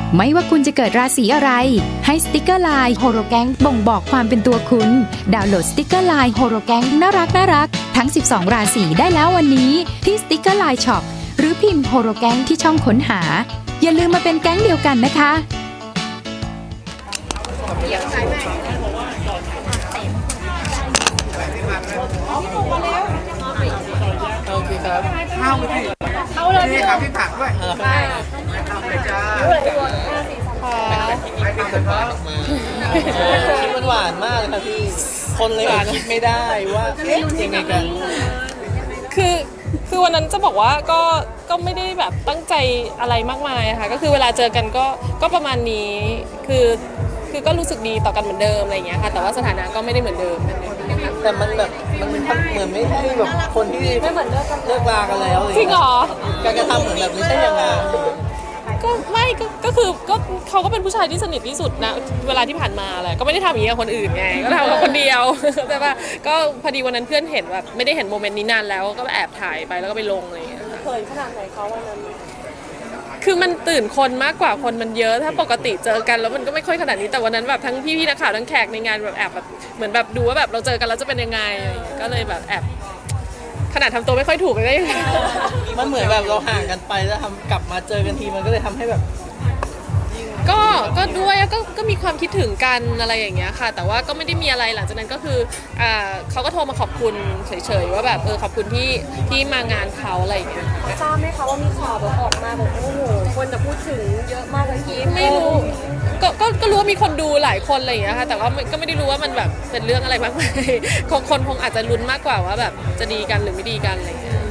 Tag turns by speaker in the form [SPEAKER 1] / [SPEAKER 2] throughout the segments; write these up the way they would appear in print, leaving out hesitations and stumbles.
[SPEAKER 1] ไม่ว่าคุณจะเกิดราศีอะไรให้สติกเกอร์ไลน์โฮโรแกงบ่งบอกความเป็นตัวคุณดาวน์โหลดสติกเกอร์ไลน์โฮโรแกงน่ารักทั้ง12ราศีได้แล้ววันนี้ที่สติกเกอร์ไลน์ช็อปหรือพิมพ์โฮโรแกงที่ช่องค้นหาอย่าลืมมาเป็นแก๊งเดียวกันนะคะ
[SPEAKER 2] โอเคครับเข้าเลยนี่ครับพี่ผักด้วยได้เข้าเลยจ้าคิดมันหวานมากเลยค่ะพี่คนเลยคิดไม่ได้ว่ายังไงกัน
[SPEAKER 3] คือวันนั้นจะบอกว่าก็ไม่ได้แบบตั้งใจอะไรมากมายค่ะก็คือเวลาเจอกันก็ประมาณนี้คือก็รู้สึกดีต่อกันเหมือนเดิมอะไรอย่างเงี้ยค่ะแต่ว่าสถานะก็ไม่ได้เหมือนเดิม
[SPEAKER 2] แต่มันแบบมันเหมือนไม่ใช่แบบคนที่ไม่เหมือนเลิกลากันแล้ว
[SPEAKER 3] จริงเหรอ
[SPEAKER 2] การกระทำเหมือนแบบไม่ใช่อย่างนั้น
[SPEAKER 3] ก็ไม่ก็คือก็เขาก็เป็นผู้ชายที่สนิทที่สุดนะเวลาที่ผ่านมาแหละก็ไม่ได้ทำอย่างนี้กับคนอื่นไงก็ทำกับคนเดียวแต่ว่าก็พอดีวันนั้นเพื่อนเห็นแบบไม่ได้เห็นโมเมนต์นี้นานแล้วก็แอบถ่ายไปแล้วก็ไปลงอะไรอย่างเงี้ย
[SPEAKER 4] เคยขนาดไหนเขาวันนั้น
[SPEAKER 3] คือมันตื่นคนมากกว่าคนมันเยอะถ้าปกติเจอกันแล้วมันก็ไม่ค่อยขนาดนี้แต่วันนั้นแบบทั้งพี่นักข่าวทั้งแขกในงานแบบแอบแบบเหมือนแบบดูว่าแบบเราเจอกันแล้วจะเป็นยังไงก็เลยแบบแอบขนาดทำตัวไม่ค่อยถูกเลยก็ยัง
[SPEAKER 2] มันเหมือนแบบเราห่างกันไปแล้วกลับมาเจอกันทีมันก็เลยทำให้แบบ
[SPEAKER 3] ก็ด้วยก็มีความคิดถึงกันอะไรอย่างเงี้ยค่ะแต่ว่าก็ไม่ได้มีอะไรหลังจากนั้นก็คือเขาก็โทรมาขอบคุณเฉยๆว่าแบบขอบคุณที่มางานเขาอะไรอย่างเงี้ย
[SPEAKER 4] ทราบไหมคะว่ามีข่าวแบบออกมาแบบโอ้โหคนจะพูดถึงเยอะมากเลย
[SPEAKER 3] ไม่รู้ก็รู้ว่ามีคนดูหลายคนอะไรอย่างเงี้ยค่ะแต่ว่าก็ไม่ได้รู้ว่ามันแบบเป็นเรื่องอะไรมากมายคนคงอาจจะลุ้นมากกว่าว่าแบบจะดีกันหรือไม่ดีกันอะไรอย่างเงี้ย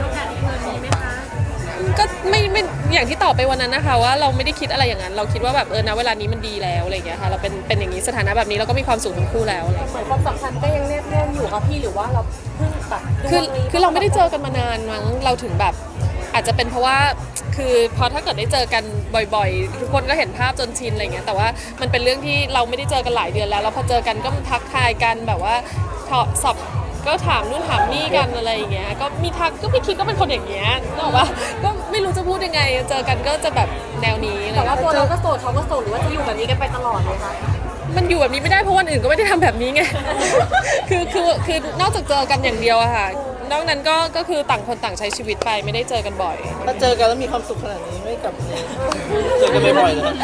[SPEAKER 3] ก็ไม่อย่างที่ตอบไปวันนั้นนะคะว่าเราไม่ได้คิดอะไรอย่างนั้นเราคิดว่าแบบนะเวลานี้มันดีแล้วอะไรอย่างเงี้ยค่ะเราเป็นอย่างนี้สถานะแบบนี้เราก็มีความสุขทั้งคู่แล้วอะไร
[SPEAKER 4] เหมือนความสัมพันธ์ก็ยังแนบแน่นอยู่ค่ะพี่หรือว่าเราเพิ่งแบบ
[SPEAKER 3] คือเราไม่ได้เจอกันมานานมั้งเราถึงแบบอาจจะเป็นเพราะว่าคือพอถ้าเกิดได้เจอกันบ่อยๆทุกคนก็เห็นภาพจนชินอะไรเงี้ยแต่ว่ามันเป็นเรื่องที่เราไม่ได้เจอกันหลายเดือนแล้วพอเจอกันก็ทักทายกันแบบว่าสอบก็ถามนู่นถามนี่กันอะไรอย่างเงี้ยก็มีทักก็พี่คิดก็เป็นคนอย่างเงี้ยนึกออกปะก็ไม่รู้จะพูดยังไงเจอกันก็จะแบบแนวนี้
[SPEAKER 4] แต่ว่าตัวเราก็โสดเขาก็โสดหรือว่าจะอยู่แบบนี้กันไปตลอดเลยคะ
[SPEAKER 3] มันอยู่แบบนี้ไม่ได้เพราะวันอื่นก็ไม่ได้ทำแบบนี้ไงคือนอกจากเจอกันอย่างเดียวอะค่ะนอกนั้นก็คือต่างคนต่างใช้ชีวิตไปไม่ได้เจอกันบ่อย
[SPEAKER 2] ถ้าเจอกันแล้วมีความสุขขนาดนี้ไม่กลับเจอกันบ่อยๆเลย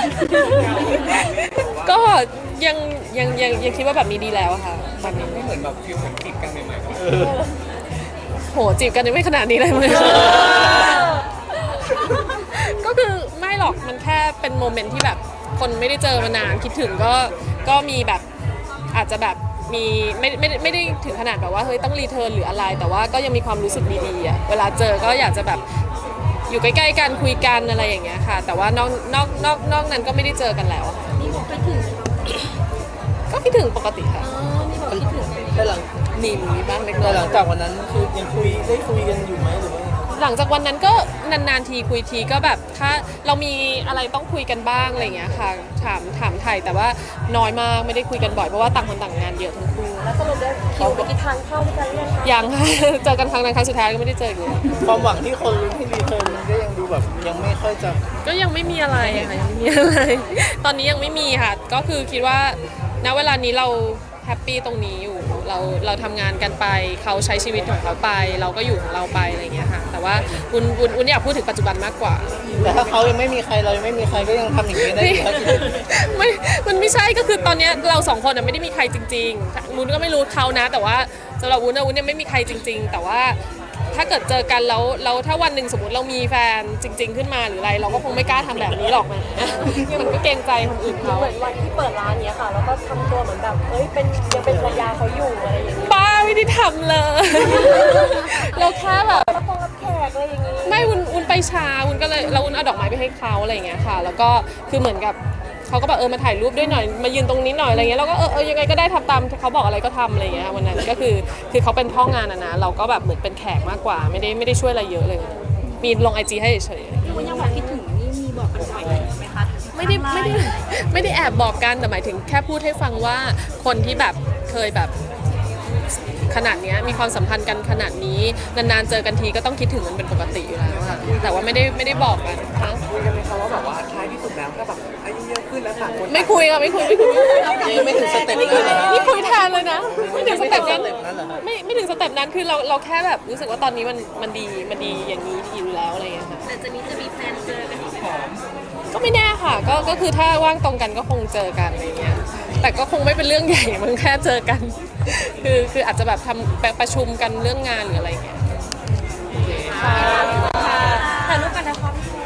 [SPEAKER 3] ก็ยังคิดว่าแบบนี้ดีแล้วค่ะตอนนี้
[SPEAKER 2] ไม่เหมือนแบบฟิลเหมือนจีบกันใหม่
[SPEAKER 3] โหจีบกันยังไม่ขนาดนี้เลยมั้ยก็คือไม่หรอกมันแค่เป็นโมเมนต์ที่แบบคนไม่ได้เจอมานานคิดถึงก็มีแบบอาจจะแบบมีไม่ได้ถึงขนาดแบบว่าเฮ้ยต้องรีเทิร์นหรืออะไรแต่ว่าก็ยังมีความรู้สึกดีๆอ่ะเวลาเจอก็อยากจะแบบอยู่ใกล้ๆกันคุยกันอะไรอย่างเงี้ยค่ะแต่ว่านอกนั้นก็ไม่ได้เจอกันแล้ว
[SPEAKER 4] มีบอกคิดถึง
[SPEAKER 3] ก็คิดถึงปกติค่ะ
[SPEAKER 4] มีบอกคิดถึง
[SPEAKER 2] แต่หลัง
[SPEAKER 3] มีบ้างเล็กน้อย
[SPEAKER 2] หลังจากวันนั้นคือยังได้คุยกันอยู่ไหมหรือว่า
[SPEAKER 3] หลังจากวันนั้นก็นานๆทีคุยทีก็แบบถ้าเรามีอะไรต้องคุยกันบ้างอะไรอย่างเงี้ยค่ะถามไทยแต่ว่าน้อยมากไม่ได้คุยกันบ่อยเพราะว่าต่างคนต่างงานเยอะทั้งคู่
[SPEAKER 4] แล้วสรุปได้คิวไปกี่ทานเข้าด้วยกัน
[SPEAKER 3] ยังค่ะเจอกันครั้งนั้นครั้งสุดท้ายก็ไม่ได้เจอเลย
[SPEAKER 2] ความหวังที่คนที่รีเทิร์นก็ยังดูแบบยังไม่ค่อยจะ
[SPEAKER 3] ก็ยังไม่มีอะไรค่ะยังไม่มีอะไรตอนนี้ยังไม่มีค่ะก็คือคิดว่าณเวลานี้เราแฮปปี้ตรงนี้อยู่เราทำงานกันไปเขาใช้ชีวิตของเขาไปเราก็อยู่ของเราไปอะไรอย่างเงี้ยค่ะแต่ว่าอุ่นอยากพูดถึงปัจจุบันมากกว่า
[SPEAKER 2] แต่ถ้าเขายังไม่มีใครเรายังไม่มีใครก็ยังทำอย่างนี้ได้อยู่
[SPEAKER 3] ไม่มันไม่ใช่ก็คือตอนนี้เราสองคนไม่ได้มีใครจริงๆวุ้นก็ไม่รู้เขานะแต่ว่าสำหรับวุ้นยังไม่มีใครจริงๆแต่ว่าถ้าเกิดเจอกันแล้วถ้าวันหนึ่งสมมติเรามีแฟนจริงๆขึ้นมาหรืออะไรเราก็คงไม่กล้าทำแบบนี้หรอกนะมันก็เกรงใจคนอื่นเขา
[SPEAKER 4] เหมือนวันที่เปิดร้านเนี้ยค่ะแล้วก็ทำตัวเหมือนแบบยังเป็นภรรยาเขาอยู่อะไรอย่างนี้
[SPEAKER 3] บ้าไม่ได้ทำเลยเราแค่แบบ
[SPEAKER 4] รับแขกอะไรอย่างนี้
[SPEAKER 3] ไม่วุ้นไปช้าวุ้นก็เลยเราวุ้นเอาดอกไม้ไปให้เขาอะไรอย่างเงี้ยค่ะแล้วก็คือเหมือนกับเขาก็แบบมาถ่ายรูปด้วยหน่อยมายืนตรงนี้หน่อยอะไรเงี้ยเราก็ยังไงก็ได้ทำตามเขาบอกอะไรก็ทำอะไรเงี้ยวันนั้นก็คือเขาเป็นพ่องานนะเราก็แบบเหมือนเป็นแขกมากกว่าไม่ได้ช่วยอะไรเยอะเลยมีลง IG ให้เฉย
[SPEAKER 4] ๆคุณยังบอกคิดถึงนี่มีบอกกันบ่อยไหมคะ
[SPEAKER 3] ไม่ได้แอบบอกกันแต่หมายถึงแค่พูดให้ฟังว่าคนที่แบบเคยแบบขนาดนี้มีความสัมพันธ์กันขนาดนี้นานๆเจอกันทีก็ต้องคิดถึงมันเป็นปกติอยู่แล้วค่ะแต่ว่าไม่ได้บอกกัน
[SPEAKER 2] คุยกันไหมคะว่าแบบว่าท้ายที่สุดแล้วก็แบบ
[SPEAKER 3] ไม่คุยค่ะไม่คุย
[SPEAKER 2] ยังไม่ถึงสเต็ปนั้นเหรอ
[SPEAKER 3] นี่คุยแทนเลยนะไม่ถึงสเต็ปนั้น
[SPEAKER 2] ไม่ถึงสเต็ปนั้นเหรอฮะ
[SPEAKER 3] ไม่ถึงสเต็ปนั้นคือเราแค่แบบรู้สึกว่าตอนนี้มันดีอย่างนี้อยู่แล้วอะไรอย่างเงี้ยค่ะ
[SPEAKER 4] แต่จะมีแพลนเจอกันอีก
[SPEAKER 3] ก็ไม่แน่ค่ะก็คือถ้าว่างตรงกันก็คงเจอกันอะไรเงี้ยแต่ก็คงไม่เป็นเรื่องใหญ่มันแค่เจอกัน คืออาจจะแบบทำประชุมกันเรื่องงานหรืออะไรเงี้ย
[SPEAKER 4] ถ่ายรูปกันนะครับ